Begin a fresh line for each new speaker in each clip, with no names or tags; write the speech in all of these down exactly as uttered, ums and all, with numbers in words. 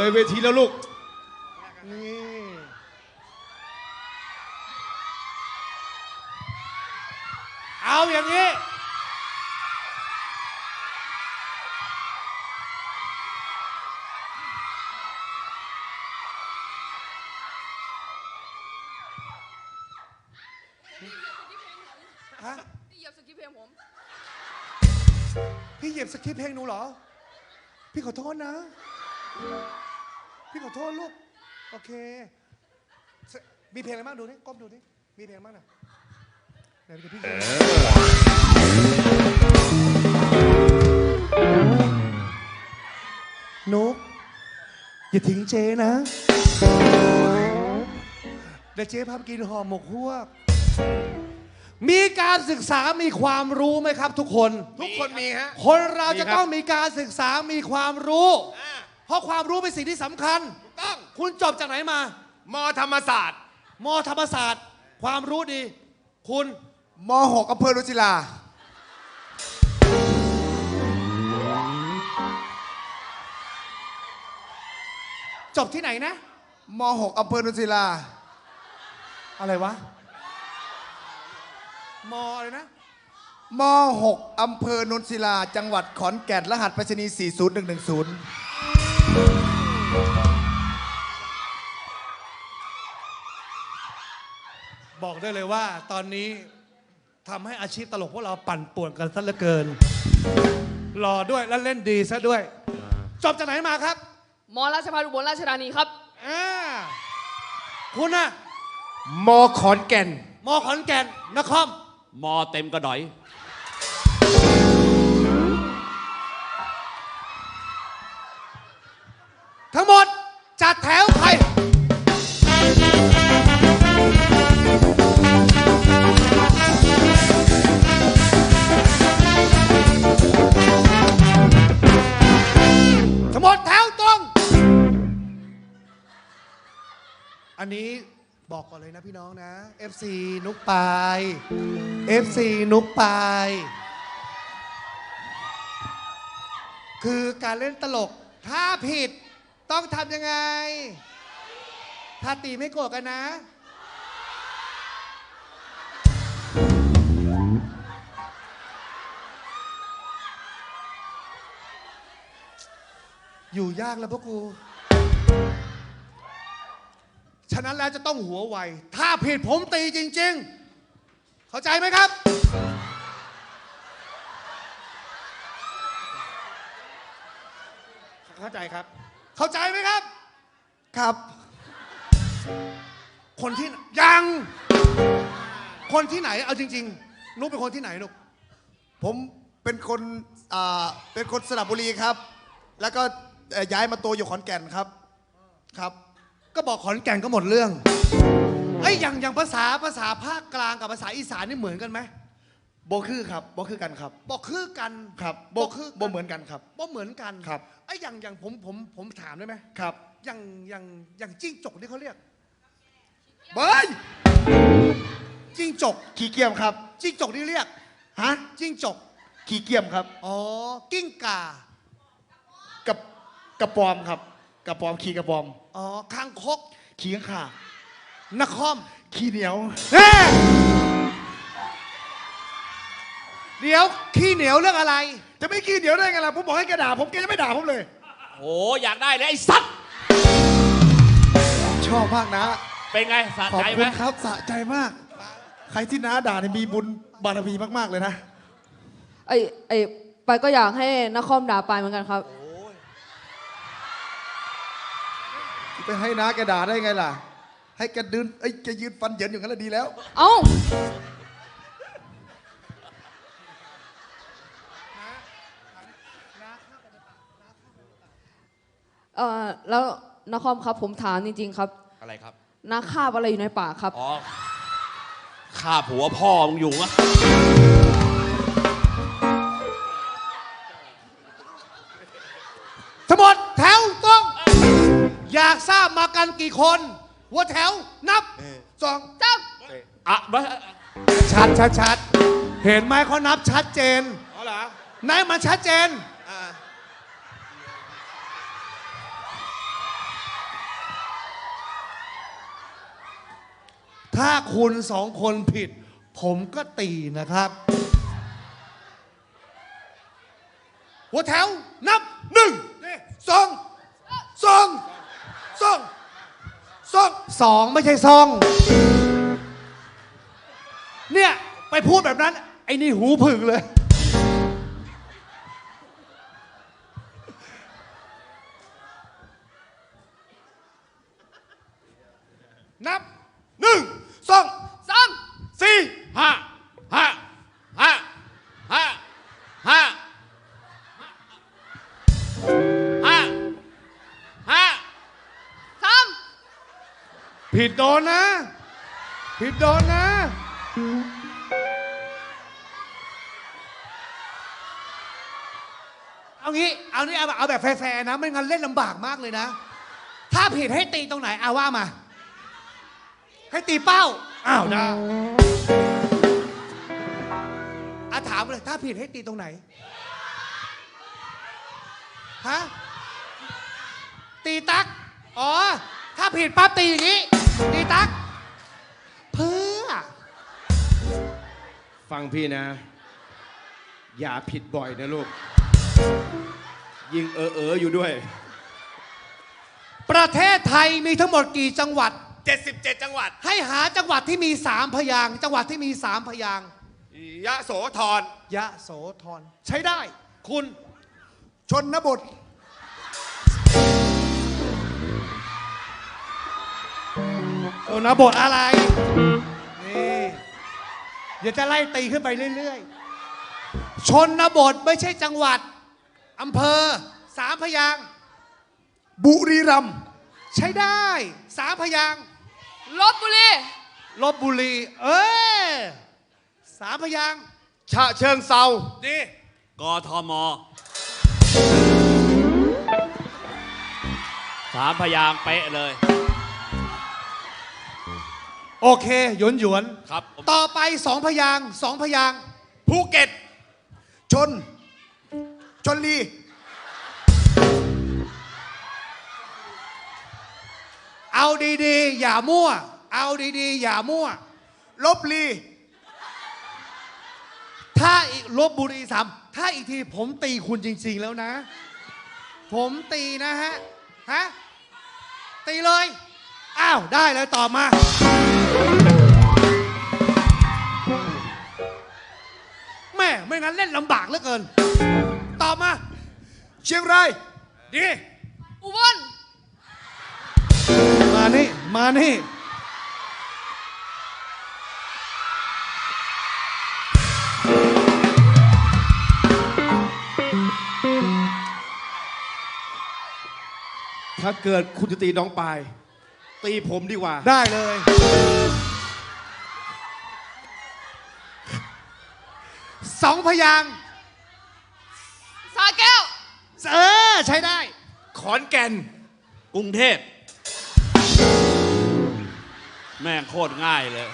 เลยเวทีแล้วลูกนี่เอาอย่างนี้ฮะพี่เหยียบสคริปต์เพลงผมพี่เหยียบสคริปต์เพลงหนูเหรอพี่ขอโทษนะพี่ขอโทษลูกโอเคมีเพลงอะไรบ้างดูนี่ก้มดูนี่มีเพลงบ้างนะเดี๋ยวพี่นุกอย่าทิ้งเจนะเดี๋ยวเจ๊พาไปกินห่อหมกฮวกมีการศึกษามีความรู้ไหมครับทุกคน
ทุกคนมีฮะ
คนเราจะต้องมีการศึกษามีความรู้เพราะความรู้เป็นสิ่งที่สำคัญ
ถูกต้อง
คุณจบจากไหนมาม
ธรรมศาสตร์
มธรรมศาสตร์ความรู้ดีคุณ
มหกอำเภอรุจิรา
จบที่ไหนนะ
มหกอำเภอรุจิรา
อะไรวะมอะไรนะ
มหกอำเภอนุนศิลาจังหวัดขอนแก่นรหัสไปรษณีย์สี่ศูนย์หนึ่งหนึ่งศูนย์
บอกได้เลยว่าตอนนี้ทำให้อาชีพตลกพวกเราปั่นป่วนกันซะเหลือเกินหล่อด้วยและเล่นดีซะด้วยจบจากไหนมาครับ
มราชภัฏอุบลราชธานีครับ
อ่าคุณน่ะ
มขอนแก่น
มขอนแก่นนคร
มอเต็มกระดอย
ทั้งหมดจัดแถวใครทั้งหมดแถวตรงอันนี้บอกก่อนเลยนะพี่น้องนะ เอฟ ซี นุกปาย เอฟ ซี นุกปายคือการเล่นตลกถ้าผิดต้องทำยังไงถ้าตีไม่โกรธกันนะอยู่ยากแล้วพวกกูฉะนั้นแล้วจะต้องหัวไวถ้าผิดผมตีจริงๆเข้าใจไหมครับเข้าใจครับเข้าใจไหมครับ
ครับ
คนที่ยังคนที่ไหนเอาจริงๆนุ๊กเป็นคนที่ไหนนุ๊ก
ผมเป็นคนอ่าเป็นคนสระบุรีครับแล้วก็ย้ายมาโตอยู่ขอนแก่นครับครับ
ก็บอกขอนแก่นก็หมดเรื่องไอ้อย่างอย่างภาษาภาษาภาคกลางกับภาษาอีสานนี่เหมือนกันไหม
โบคือครับโบคือกันครับ
บอกคือกัน
ครับโบคือโบเหมือนกันครับ
โบเหมือนกัน
ครับ
ไอ้อย่างอย่างผมผมผมถามได้ไหม
ครับ
อย่างอย่างอย่างจิ้งจกที่เขาเรียก
เบ้ย
จิ้งจก
ขี้เกียมครับ
จิ้งจกที่เรียก
ฮะ
จิ้งจก
ขี้เกียมครับ
อ๋อกิ้งก่า
กับกระปอมครับกระปอมขี้กระปอม
อ๋อคางคก
ขี้ข้างข่
นคร
ขี้เหนียว
เดี๋ยวขี้เหนียวเรื่องอะไร
จะไม่ขี้เหนียวได้ไงล่ะผมบอกให้แกด่าผมแกจะไม่ด่าผมเลย
โอ้อยากได้เลยไอ้สัตว์
ชอบมากนะ
เป็นไงสะใจไหม
ขอบคุณครับสะใจมากใครที่น้าด่าเนี่ยมีบุญบารมีมากๆเลยนะ
ไอ้ไอ้ไปก็อยากให้นครด่าไปเหมือนกันครับ
ไปให้น้าแกด่าได้ไงล่ะให้แกดืนไอ้แกยืนฟันเหยินอย่างนั้นแล้วดีแล้ว
เอ้าเออแล้วนครครับผมถามจริงๆครับ
อะไรครับ
นักคาบอะไรอยู่ในป่าครับ
อ๋อฆ่าผัวพ่อมึงอยู่มะ
ทั้งหมดแถวตรงอยากทราบมากันกี่คนหัวแถวนับสองสาม
อ่ะ
ชัดชัดชัดเห็นไหมเขานับชัดเจน
อ๋อเหรอ
ไหนมันชัดเจนถ้าคุณสองคนผิด ผมก็ตีนะครับ หัวแถวนับหนึ่งสองสองสองสองสองไม่ใช่ซอง เนี่ย ไปพูดแบบนั้น ไอ้นี่หูผึ่งเลย นับหนึ่งสอง
สาม
สี่
ห้าห้าห้าห้าห้าห้าห้า
สาม
ผิดโดนนะ ผิดโดนนะ เอางี้ เอานี่เอาแบบเอาแบบแฟร์ๆนะ ไม่งั้นเล่นลำบากมากเลยนะ ถ้าผิดให้ตีตรงไหนเอาว่ามา ให้ตีเป้า อ้าวนะอาถามเลย ถ้าผิดให้ตีตรงไหน ฮะ ตีตัก อ๋อ ถ้าผิดปั๊บตีอย่างนี้ ตีตัก เพื่อ
ฟังพี่นะ อย่าผิดบ่อยนะลูก ยิงเออเอออยู่ด้วย
ประเทศไทยมีทั้งหมดกี่จังหวัด
เจ็ดสิบเจ็ดจังหวัด
ให้หาจังหวัดที่มีสามพยางค์จังหวัดที่มีสามพยางค์
ยะโสธร
ยะโสธรใช้ได้ คุณ
ชนบท
โอนบทอะไร นี่เดี๋ยวจะไล่ตีขึ้นไปเรื่อยๆ ชนบทไม่ใช่จังหวัดอำเภอสามพยางค์
บุรีรัมย์
ใช้ได้สามพยางค์
ลบบุรี
ลบบุรี เอ้ยสามพยางค์
ฉะเชิงเซา
ดี
กทมสามพยางค์เป๊ะเลย
โอเคหยวนหยวน
ครับ
ต่อไปสองพยางค์สองพยางค์
ภูเก็ต
ชน ชนลี
เอาดีๆ อย่ามั่ว เอาดีๆ อย่ามั่ว
ลบลี
ถ้าอีกลบบุรีสามถ้าอีกทีผมตีคุณจริง ๆ แล้วนะ ผมตีนะฮะ ฮะ ตีเลย อ้าว ได้เลยตอบมา แม่ไม่งั้นเล่นลำบากเหลือเกิน ตอบมา
เชียงราย
ดี
อุบล
มานี่ มานี่
ถ้าเกิดคุณจะตีน้องปาย ตีผมดีกว่า
ได้เลย สองพยางค์
สาแก้ว
เออ ใช้ได้
ขอนแก่น
กรุงเทพแม่งโคตรง่ายเลย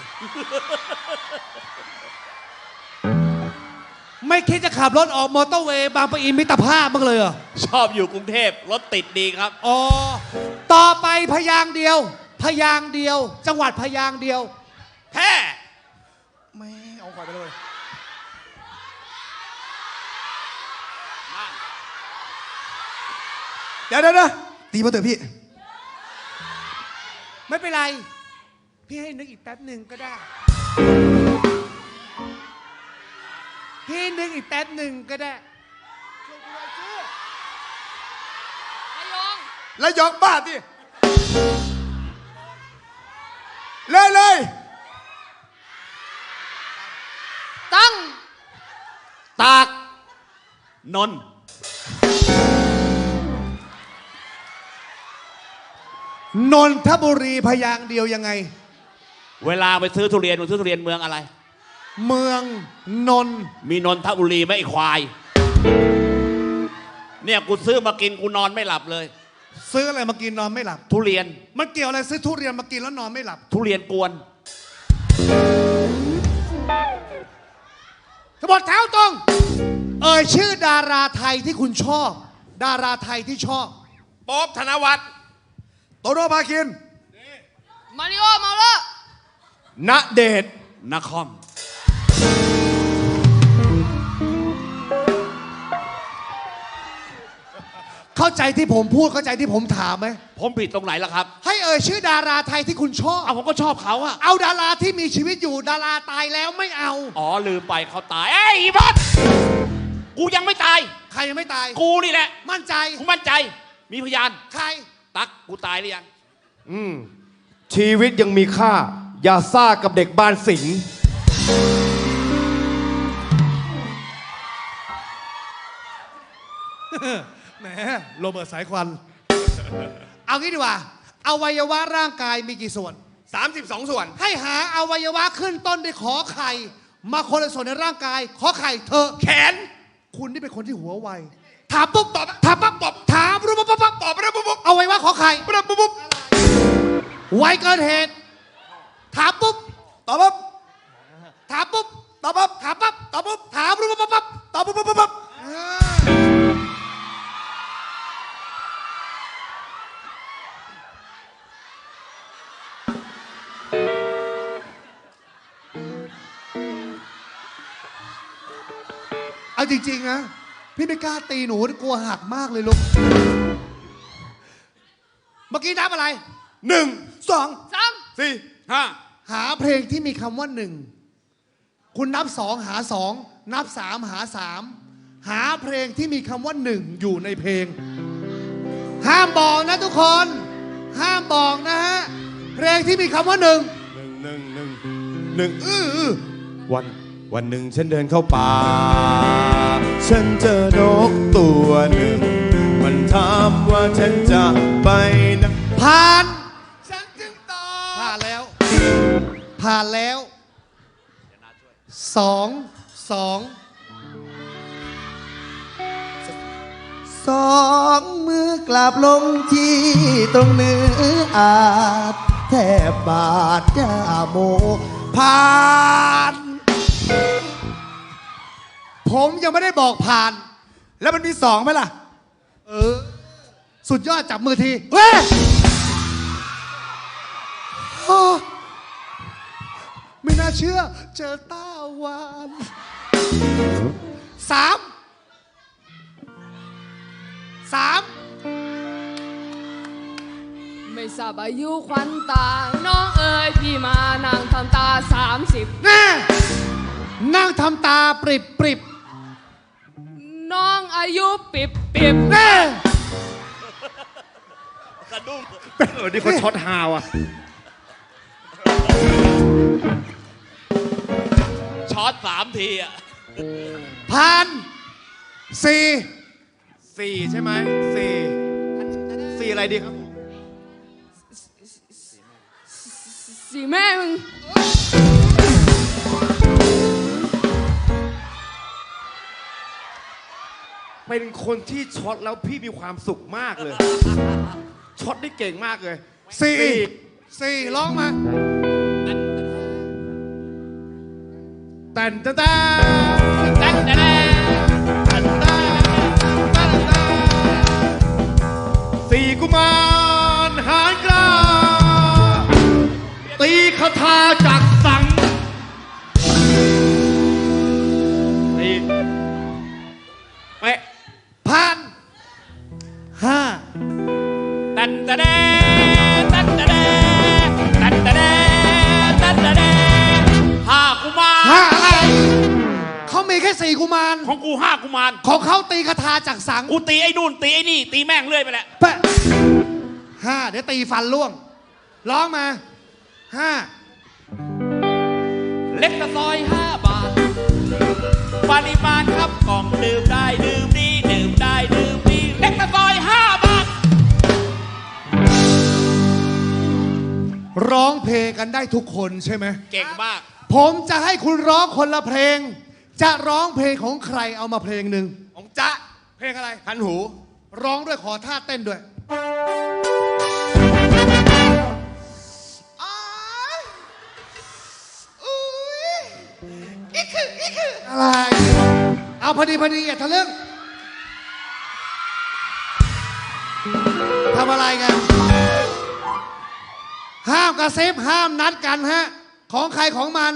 ไม่คิดจะขับรถออกมอเตอร์เวย์บางปะอินมิตรภาพบ้างเลยเหรอ
ชอบอยู่กรุงเทพรถติดดีครับ
อ๋อ ต่อไปพยางค์เดียว พยางค์เดียว จังหวัดพยางค์เดียว
แพร่
ไม่เอาขวายไปเลย เดี๋ยวเดี๋ยวเดี๋ยวตีมาเถอะพี่
ไม่เป็นไร พี่ให้นึกอีกแป๊บหนึ่งก็ได้ พี่นึกอีกแป๊บหนึ่งก็ได้
ระยอง
แล้วยองบ้าดิเลยเลย
ตั้ง
ตาก นนท์
นนทบุรีพยางค์เดียวยังไง
เวลาไปซื้อทุเรียนมึงซื้อทุเรียนเมืองอะไร
เมืองนนท์
มีนนทบุรีไหมไอ้ควาย เนี่ยกูซื้อมากินกูนอนไม่หลับเลย
ซื้ออะไรมากินนอนไม่หลับ
ทุเรียน
มันเกี่ยวอะไรซื้อทุเรียนมากินแล้วนอนไม่หลับ
ทุเรียนกวน
ทั้งหมดแถวตรง เอ่ยชื่อดาราไทยที่คุณชอบ ดาราไทยที่ชอบ
ป๊อบธนวัฒน์
โตโน่พาคิน
มาริโอเมาเลอร์
ณเดชน์
นคร
เข้าใจที่ผมพูดเข้าใจที่ผมถามไหม
ผมผิดตรงไหนล่ะครับ
ให้เอ่ยชื่อดาราไทยที่คุณชอบ
เอาผมก็ชอบเขาอะ
เอาดาราที่มีชีวิตอยู่ดาราตายแล้วไม่เอา
อ๋อลืมไปเขาตายเอ้ยอีบอสกูยังไม่ตาย
ใครยังไม่ตาย
กูนี่แหละ
มั่นใจ
กูมั่นใจ มีพยาน
ใคร
ตักกูตายหรือยัง
อืมชีวิตยังมีค่า อย่าซ่ากับเด็กบ้านสิงห์
แหมโรเบิร์ตสายควัน เอางี้ดีกว่าอวัยวะร่างกายมีกี่ส่วน
สามสิบสองส่วน
ให้หาอวัยวะขึ้นต้นด้วยขอไข่ มาคนละส่วนในร่างกาย ขอไข่เธอ
แขน
คุณนี่เป็นคนที่หัวไว ถามปุ๊บตอบ ถามปั๊บตอบ ถามปุ๊บปั๊บปั๊บตอบปั๊บปุ๊บปุ๊บเอาไว้ว่าขอไข่ปุ๊บปุ๊บปุ๊บไวเกินเหตุ ถามปุ๊บ
ตอบปั๊บ
ถามปุ๊บ
ตอบปั๊บ
ถามปั๊บ ตอบปุ๊บ ถามปุ๊บปั๊บปั๊บ
ตอบปั๊บปั๊บปั๊บ
เอาจริงๆนะ พี่ไม่กล้าตีหนูกลัวหักมากเลยลูก เมื่อกี้นับอะไร
หนึ่งสอง
สาม
สี่
ห้า
หาเพลงที่มีคำว่าหนึ่ง คุณนับสองหาสอง นับสามหาสาม หาเพลงที่มีคำว่าหนึ่งอยู่ในเพลง ห้ามบอกนะทุกคน ห้ามบอกนะฮะ เพลงที่มีคำว่าหนึ่ง
หนึ่งหนึ่งหนึ่งหนึ่งอื้ออื้อวันวันหนึ่งฉันเดินเข้าป่า ฉันเจอนกตัวหนึ่ง มันถามว่าฉันจะไปไหน
ผ่าน
ฉันจึงตอบ
ผ่านแล้ว ผ่านแล้ว สอง สอง
สองมือกลับลงที่ตรงเนื้ออาจแทบบาดยาโมผ่าน
ผมยังไม่ได้บอกผ่าน
แล้วมันมีสองไหมล่ะ
เออ สุดยอดจับมือที เฮ้ยอ้อไม่น่าเชื่อ เจอต้าวานสาม สาม
ไม่ทราบอายุควันตา น้องเอ๋ยพี่มานั่งทำตาสามสิบ
แน่นั่งทำตาปริบปริบ
น้องอายุปิบปิบ
แน่
สะดุ้ง
เออนี่เขาช็อตฮาวอ่ะ
ช็อตสามทีอะ
ผ่านสี่
สี่ใช่ไหมสี่สี่อะไรดีครับ
สี่แม่มึง
เป็นคนที่ช็อตแล้วพี่มีความสุขมากเลย ช็อตได้เก่งมากเลย
สี่สี่ร้องมาแต่นแต่แต่แต่นแต่แต่แต่นแต่แต่แต่
สี่กุมารหารกล้า ตีคาถาจากสังตีเป๊ะ
ผ่านห้า
ตันตะแดตันตะแดตันตะแดตันตะแดห้ากุมาร
ห้าอะไรเขามีแค่สี่กุมาร
ของกูห้ากุมาร
ของเขาตีคาถาจากสัง
กูตีไอ้นู่นตีไอ้นี่ ตีแม่งเรื่อยไปแหละ
แปะห้าเดี๋ยวตีฟันล่วง ร้องมาห้า
เล็กตะซอยห้าบาท ปริมาณครับกล่องดื่มได้ดื่มดีดื่มได้ดื่มดีเล็กตะซอยห้าบาท
ร้องเพลงกันได้ทุกคนใช่ไหม
เก่งมาก
ผมจะให้คุณร้องคนละเพลง จะร้องเพลงของใครเอามาเพลงหนึ่ง
ของจ๊ะ
เพลงอะไร
คันหู
ร้องด้วยขอท่าเต้นด้วย อะไร เอาพอดีพอดีอย่าทะลึ่งทำอะไรกัน ห้ามกระซิบห้ามนัดกันฮะของใครของมัน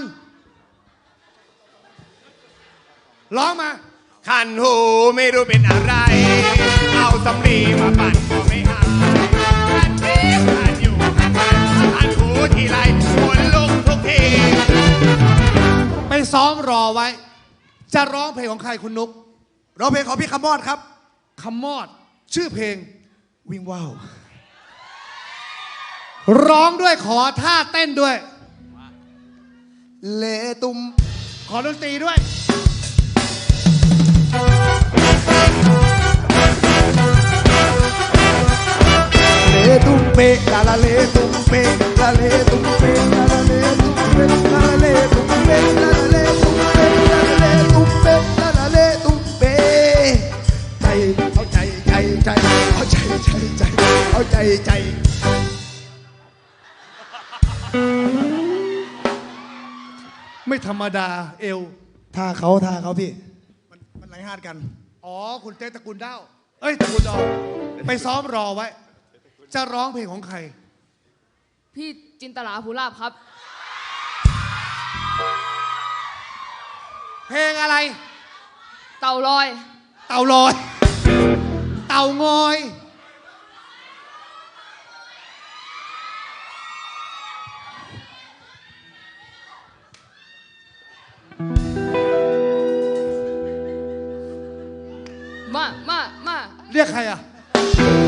ร้องมา
ขันหูไม่รู้เป็นอะไร เอาสำลีมาปั่นก็ไม่หายขันทีขันอยู่ขันไปขันหูทีไรขนลุกทุกที
ไปซ้อมรอไว้ จะร้องเพลงของใครคุณนุก
ร้องเพลงของพี่คำมอดครับ
คำมอด ชื่อเพลง
วิ่งว่าว
ร้องด้วยขอท่าเต้นด้วย
เลตุม
ขอดนตรีด้วย
เลตุมเปลาลาเลตุมเปลาเลตุมเปลาลาเลตุมเปลาลาเลตุมเปลาลาเลตุมเปลาลาเลตุมเปลาลาเลตุมเปใจเอาใจใจใจเอาใจใจใจเอาใจใจ
ไม่ธรรมดาเอว
ท่าเขาท่าเขาพี่ มันมันไหลหาดกัน
อ๋อ คุณเต้ตระกูลด้าวเอ้ยตระกูลดองไปซ้อมรอไว้ จะร้องเพลงของใคร
พี่จินตลาภูลาภครับ
เพลงอะไร
เต่าลอย
เต่าลอย เต่างอย
มา มา มา
เรียกใครอ่ะ